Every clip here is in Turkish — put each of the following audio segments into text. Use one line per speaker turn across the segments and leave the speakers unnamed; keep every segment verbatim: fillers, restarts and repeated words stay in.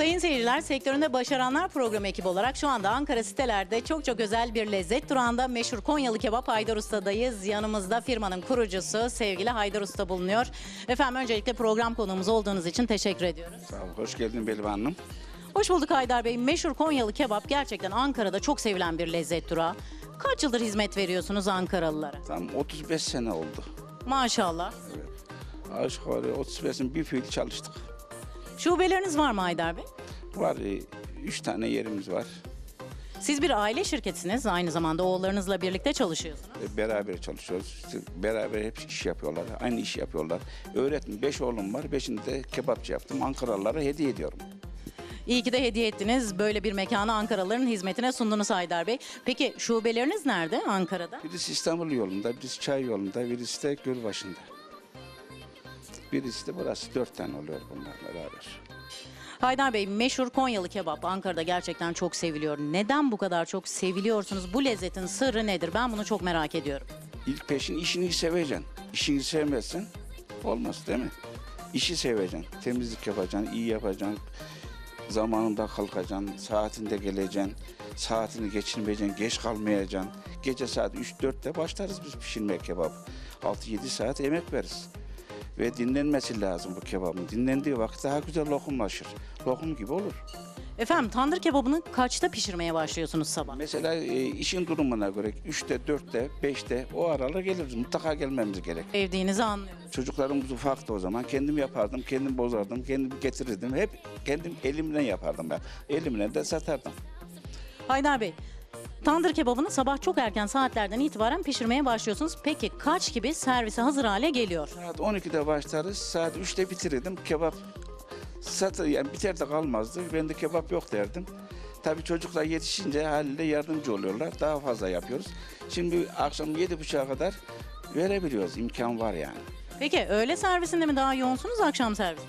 Sayın seyirciler, sektöründe başaranlar programı ekibi olarak şu anda Ankara sitelerde çok çok özel bir lezzet durağında meşhur Konyalı Kebap Haydar Usta'dayız. Yanımızda firmanın kurucusu sevgili Haydar Usta bulunuyor. Efendim öncelikle program konuğumuz olduğunuz için teşekkür ediyoruz.
Sağ ol, hoş geldin Belva Hanım.
Hoş bulduk Haydar Bey. Meşhur Konyalı Kebap gerçekten Ankara'da çok sevilen bir lezzet durağı. Kaç yıldır hizmet veriyorsunuz Ankaralılara?
Tam otuz beş sene oldu.
Maşallah.
Evet. Aşağı yukarı otuz beşin bir fiil çalıştık.
Şubeleriniz var mı Haydar Bey?
Var, e, üç tane yerimiz var.
Siz bir aile şirketisiniz. Aynı zamanda oğullarınızla birlikte çalışıyorsunuz.
E, beraber çalışıyoruz. İşte beraber hep iş yapıyorlar. Aynı işi yapıyorlar. Öğretmen, beş oğlum var. Beşini de kebapçı yaptım. Ankaralılara hediye ediyorum.
İyi ki de hediye ettiniz. Böyle bir mekanı Ankaralıların hizmetine sundunuz Haydar Bey. Peki şubeleriniz nerede Ankara'da?
Birisi İstanbul yolunda, birisi Çay yolunda, birisi de Gölbaşı'nda. Birisi de burası. Dört tane oluyor bunlar beraber.
Haydar Bey, meşhur Konyalı kebap Ankara'da gerçekten çok seviliyor. Neden bu kadar çok seviliyorsunuz? Bu lezzetin sırrı nedir? Ben bunu çok merak ediyorum.
İlk peşin işini seveceksin. İşini sevmezsen olmaz değil mi? İşi seveceksin. Temizlik yapacaksın, iyi yapacaksın. Zamanında kalkacaksın, saatinde geleceksin. Saatini geçirmeyeceksin, geç kalmayacaksın. Gece saat üç dörtte başlarız biz pişirmeye kebap. altı yedi saat emek veririz. Ve dinlenmesi lazım bu kebabın. Dinlendiği vakit daha güzel lokumlaşır. Lokum gibi olur.
Efendim tandır kebabını kaçta pişirmeye başlıyorsunuz sabah?
Mesela e, işin durumuna göre üçte, dörtte, beşte o aralar geliriz. Mutlaka gelmemiz gerek.
Sevdiğinizi anlıyorum.
Çocuklarımız ufaktı o zaman. Kendim yapardım, kendim bozardım, kendim getirirdim. Hep kendim elimle yapardım ben. Elimle de satardım.
Haydar Bey, tandır kebabını sabah çok erken saatlerden itibaren pişirmeye başlıyorsunuz. Peki kaç gibi servise hazır hale geliyor?
Saat on ikide başlarız, saat üçte bitirirdim. Kebap satır, yani biter de kalmazdı. Ben de kebap yok derdim. Tabii çocuklar yetişince haliyle yardımcı oluyorlar. Daha fazla yapıyoruz. Şimdi akşam yedi buçuğa kadar verebiliyoruz. İmkan var yani.
Peki öğle servisinde mi daha yoğunsunuz, akşam servisinde?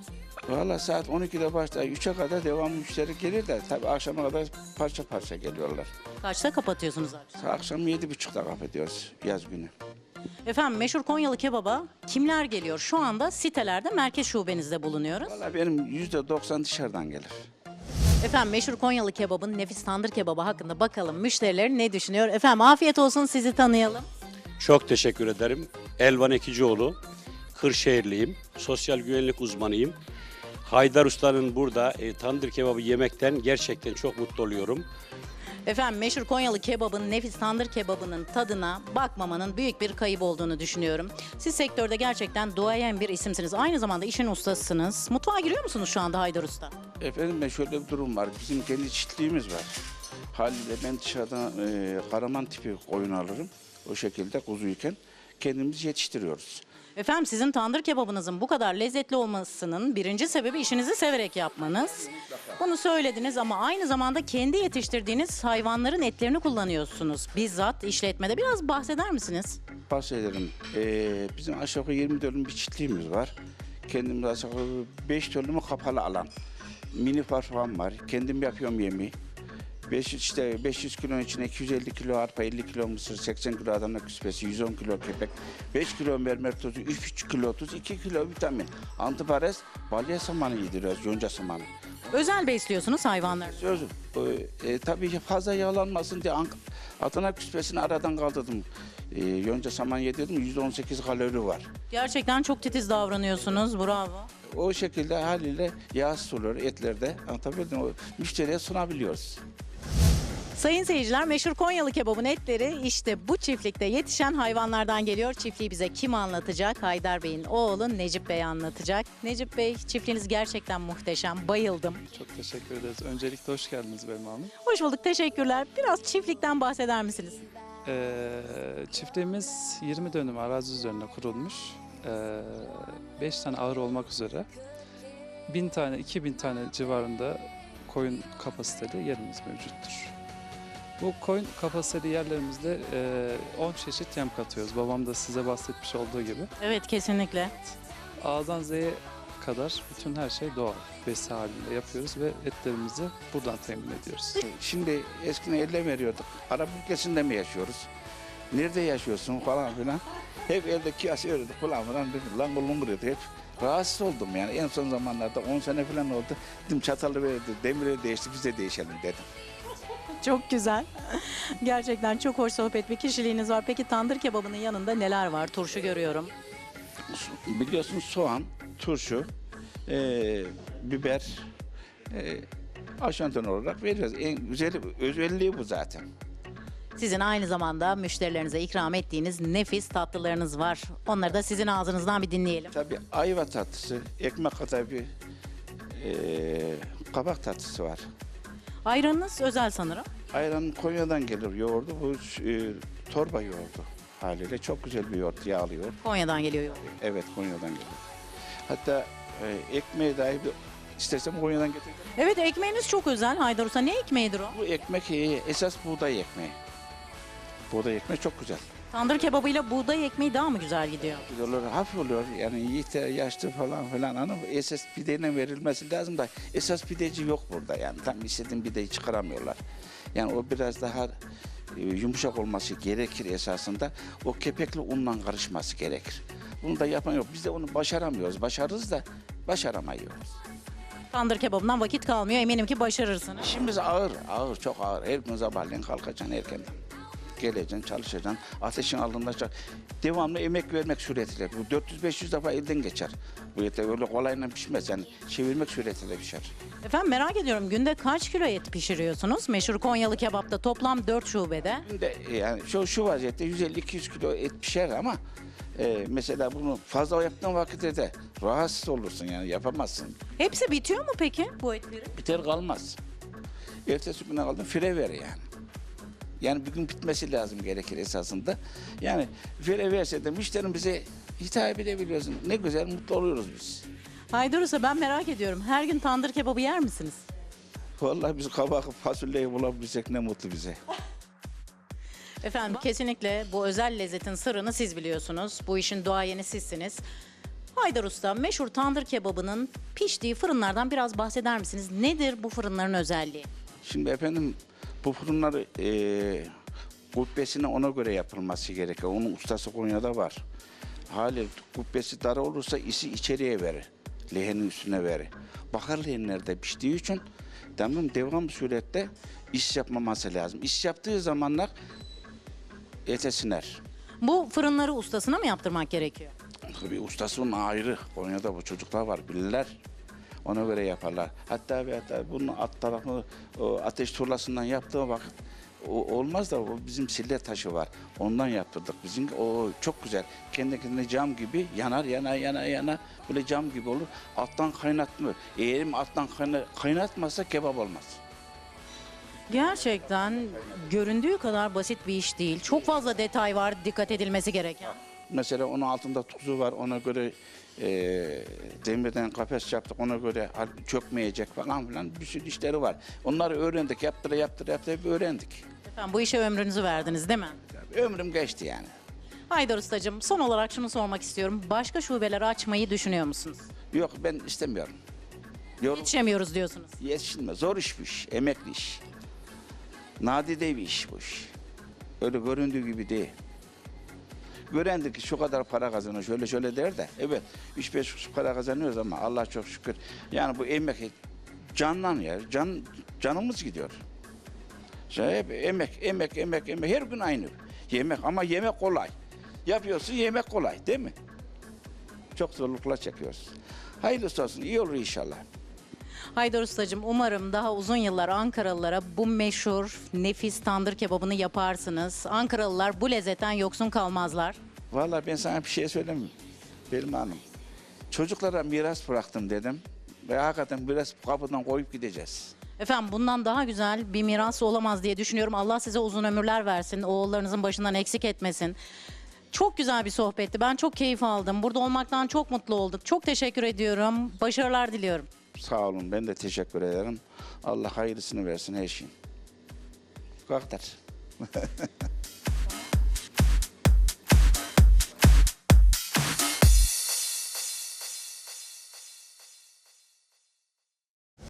Valla saat on ikide başlar, üçe kadar devamlı müşteri gelir de tabii akşama kadar parça parça geliyorlar.
Kaçta kapatıyorsunuz akşam?
Akşam yedi buçukta kapatıyoruz yaz günü.
Efendim meşhur Konyalı kebaba kimler geliyor? Şu anda sitelerde merkez şubenizde bulunuyoruz.
Valla benim yüzde doksan dışarıdan gelir.
Efendim meşhur Konyalı kebabın nefis tandır kebabı hakkında bakalım müşteriler ne düşünüyor? Efendim afiyet olsun, sizi tanıyalım.
Çok teşekkür ederim. Elvan Ekicioğlu, Kırşehirliyim, sosyal güvenlik uzmanıyım. Haydar Usta'nın burada e, tandır kebabı yemekten gerçekten çok mutlu oluyorum.
Efendim meşhur Konyalı kebabın, nefis tandır kebabının tadına bakmamanın büyük bir kayıp olduğunu düşünüyorum. Siz sektörde gerçekten duayen bir isimsiniz. Aynı zamanda işin ustasısınız. Mutfağa giriyor musunuz şu anda Haydar Usta?
Efendim ben şöyle bir durum var. Bizim kendi çiftliğimiz var. Haliyle ben dışarıdan e, karaman tipi koyun alırım. O şekilde kuzuyken kendimiz yetiştiriyoruz.
Efendim sizin tandır kebabınızın bu kadar lezzetli olmasının birinci sebebi işinizi severek yapmanız. Bunu söylediniz ama aynı zamanda kendi yetiştirdiğiniz hayvanların etlerini kullanıyorsunuz. Bizzat işletmede biraz bahseder misiniz?
Bahsedelim. E, bizim aşağı yukarı yirmi dönüm bir çiftliğimiz var. Kendimiz aşağı yukarı beş dönümü kapalı alan. Mini farfam var. Kendim yapıyorum yemeği. beş yüz, işte beş yüz kilonun içine iki yüz elli kilo arpa, elli kilo mısır, seksen kilo Adana küspesi, yüz on kilo kepek, beş kilo mermer tozu, üç kilo tuz, iki kilo vitamin. Antiparaz, balya samanı yediriyoruz, yonca samanı.
Özel besliyorsunuz hayvanları.
Sözüm, e, e, tabii ki fazla yağlanmasın diye Ank- Adana küspesini aradan kaldırdım. E, yonca saman yedirdim, yüzde on sekiz kalori var.
Gerçekten çok titiz davranıyorsunuz. Bravo.
O şekilde haliyle yağsız oluyor etlerde. Anlatabildim mi? Müşteriye sunabiliyoruz.
Sayın seyirciler, meşhur Konyalı kebabın etleri işte bu çiftlikte yetişen hayvanlardan geliyor. Çiftliği bize kim anlatacak? Haydar Bey'in oğlu Necip Bey anlatacak. Necip Bey, çiftliğiniz gerçekten muhteşem. Bayıldım.
Çok teşekkür ederiz. Öncelikle hoş geldiniz Belma Hanım.
Hoş bulduk, teşekkürler. Biraz çiftlikten bahseder misiniz?
Ee, çiftliğimiz yirmi dönüm arazi üzerine kurulmuş. Ee, beş tane ahır olmak üzere bin tane, iki bin tane civarında koyun kapasiteli yerimiz mevcuttur. Bu koyun kapasiteli yerlerimizde e, on çeşit yem katıyoruz. Babam da size bahsetmiş olduğu gibi.
Evet, kesinlikle.
A'dan Z'ye kadar bütün her şey doğal. Besi halinde yapıyoruz ve etlerimizi buradan temin ediyoruz.
Şimdi eskiden elle veriyorduk. Arap ülkesinde mi yaşıyoruz? Nerede yaşıyorsun falan filan. Hep elde kıyası öğrendi falan filan. Dedim, lan oğlum buraya hep rahatsız oldum yani. En son zamanlarda on sene falan oldu. Dedim çatalı verdi, demiri değişti, biz de değişelim dedim.
Çok güzel. Gerçekten çok hoş sohbet bir kişiliğiniz var. Peki tandır kebabının yanında neler var? Turşu görüyorum.
Biliyorsun soğan, turşu, e, biber, e, aşanton olarak veriyoruz. En güzel özelliği bu zaten.
Sizin aynı zamanda müşterilerinize ikram ettiğiniz nefis tatlılarınız var. Onları da sizin ağzınızdan bir dinleyelim.
Tabii ayva tatlısı, ekmek kadar bir e, kabak tatlısı var.
Ayranınız özel sanırım.
Ayran Konya'dan gelir yoğurdu. Bu e, torba yoğurdu haliyle. Çok güzel bir yoğurt, yağlı yoğurt.
Konya'dan geliyor yoğurt.
Evet, Konya'dan gelir. Hatta e, ekmeği dahi bir, istersem Konya'dan getireyim.
Evet, ekmeğiniz çok özel Haydar Usta. Ne ekmeğidir o?
Bu ekmek e, esas buğday ekmeği. Buğday ekmeği çok güzel.
Tandır kebabıyla buğday ekmeği daha mı güzel gidiyor?
Güzel olur, hafif oluyor. Yani yiğit, yaşlı falan filan hanım esas pideyle verilmesi lazım da esas pideci yok burada yani. Tam istediğin pideyi çıkaramıyorlar. Yani o biraz daha e, yumuşak olması gerekir esasında. O kepekli unla karışması gerekir. Bunu da yapan yok. Biz de onu başaramıyoruz. Başarırız da başaramıyoruz.
Tandır kebabından vakit kalmıyor. Eminim ki başarırsınız.
İşimiz ağır, ağır, çok ağır. Her gün sabahleyin kalkacaksın erkenden. Geleceksin, çalışacaksın, ateşin altında çal- devamlı emek vermek suretiyle. Bu dört yüz beş yüz defa elden geçer. Bu et öyle kolayla pişmez yani çevirmek suretiyle pişer.
Efendim merak ediyorum, günde kaç kilo et pişiriyorsunuz? Meşhur Konyalı kebapta toplam dört şubede.
Şimdi yani şu, şu vaziyette yüz elli iki yüz kilo et pişer ama e, mesela bunu fazla yaptığın vakitte de rahatsız olursun yani yapamazsın.
Hepsi bitiyor mu peki bu etlerin?
Biter kalmaz. Ertesi güne kaldın fire ver yani. Yani bir gün bitmesi lazım gerekir esasında. Yani fire verse de müşterim bize hitap edebiliyorsun. Ne güzel mutlu oluyoruz biz.
Haydar Usta, ben merak ediyorum. Her gün tandır kebabı yer misiniz?
Vallahi biz kabak fasulyeyi bulabilsek ne mutlu bize.
Efendim kesinlikle bu özel lezzetin sırrını siz biliyorsunuz. Bu işin duayeni sizsiniz. Haydar Usta, meşhur tandır kebabının piştiği fırınlardan biraz bahseder misiniz? Nedir bu fırınların özelliği?
Şimdi efendim bu fırınları eee kubbesine ona göre yapılması gerekiyor. Onun ustası Konya'da var. Hali kubbesi dar olursa isi içeriye verir. Lehenin üstüne verir. Bakır lehenlerde piştiği için tamam devam surette iş yapmaması lazım. İş yaptığı zamanlar ete siner.
Bu fırınları ustasına mı yaptırmak gerekiyor?
Tabii ustasının ayrı. Konya'da bu çocuklar var bilirler. Ona göre yaparlar. Hatta ve hatta bunun alt tarafını o ateş turlasından yaptığı vakit o, olmaz da o bizim sille taşı var. Ondan yaptırdık. Bizim o çok güzel. Kendi kendine cam gibi yanar yana yana yana böyle cam gibi olur. Alttan kaynatmıyor. Eğer alttan kayna, kaynatmazsa kebap olmaz.
Gerçekten göründüğü kadar basit bir iş değil. Çok fazla detay var dikkat edilmesi gereken.
Mesela onun altında tuzu var. Ona göre e, demirden kafes yaptık. Ona göre çökmeyecek falan filan bir sürü işleri var. Onları öğrendik. Yaptıra yaptıra yaptıra hep öğrendik.
Efendim bu işe ömrünüzü verdiniz değil mi?
Ömrüm geçti yani.
Haydar Ustacığım, son olarak şunu sormak istiyorum. Başka şubeleri açmayı düşünüyor musunuz?
Yok ben istemiyorum. Yorum
Yetişemiyoruz diyorsunuz.
yetişilme. Zor iş bu iş. Emekli iş. Nadide bir iş bu iş. Öyle göründüğü gibi değil. Görendir ki şu kadar para kazanıyor şöyle şöyle der de evet üç beş kuruş para kazanıyoruz ama Allah çok şükür yani bu emek canlan ya can canımız gidiyor. İşte hep emek emek emek emek her gün aynı yemek ama yemek kolay yapıyorsun yemek kolay değil mi? Çok zorluklar çekiyoruz. Hayırlısı olsun iyi olur inşallah.
Haydar Ustacığım, umarım daha uzun yıllar Ankaralılara bu meşhur nefis tandır kebabını yaparsınız. Ankaralılar bu lezzetten yoksun kalmazlar.
Vallahi ben sana bir şey söyleyeyim Belma Hanım. Çocuklara miras bıraktım dedim ve hakikaten biraz kapıdan koyup gideceğiz.
Efendim bundan daha güzel bir miras olamaz diye düşünüyorum. Allah size uzun ömürler versin. Oğullarınızın başından eksik etmesin. Çok güzel bir sohbetti. Ben çok keyif aldım. Burada olmaktan çok mutlu olduk. Çok teşekkür ediyorum. Başarılar diliyorum.
Sağ olun ben de teşekkür ederim. Allah hayırlısını versin her şeyin. Bu kadar.